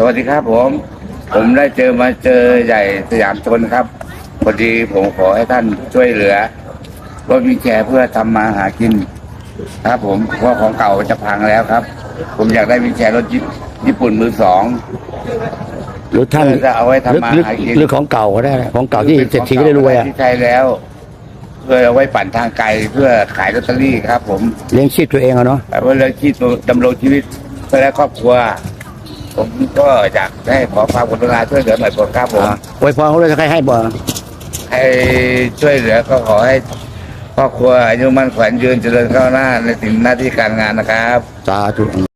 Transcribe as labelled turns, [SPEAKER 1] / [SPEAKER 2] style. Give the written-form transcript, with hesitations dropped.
[SPEAKER 1] วัสดีครับผมได้เจอใหญ่สยามชนครับพอดีผมขอให้ท่านช่วยเหลือรถวีลแชร์เพื่อทำมาหากินครับผมเพราะของเก่าจะพังแล้วครับผมอยากได้วีลแชร์รถญี่ปุ่นมือสอง
[SPEAKER 2] หรือท่าน
[SPEAKER 1] จะเอาไว้ทำมาหากิน
[SPEAKER 2] หรือของเก่าก็ได้ของเก่าที่เศรษฐีก็ได้รวยอ่ะ
[SPEAKER 1] ที่ใช้แล้วเพื่อเอาไว้ปั่นทางไกลเพื่อขายลอตเตอรี่ครับผม
[SPEAKER 2] เลี้ยงชีพตัวเองอะเนาะ
[SPEAKER 1] แต่ว่าเรื่องที่ดำรงชีวิตเพื่อและครอบครัวผมก็อยากได้ขอความกรุณาช่วยเหลือหน่อยครับผม
[SPEAKER 2] อวยพรเขาเลยจะให้บ่
[SPEAKER 1] ให้ช่วยเหลือก็ขอให้ครอบครัวอายุมั่นขวัญยืนเจริญก้าวหน้าในสิ่งหน้าที่การงานนะครับ
[SPEAKER 2] สาธุ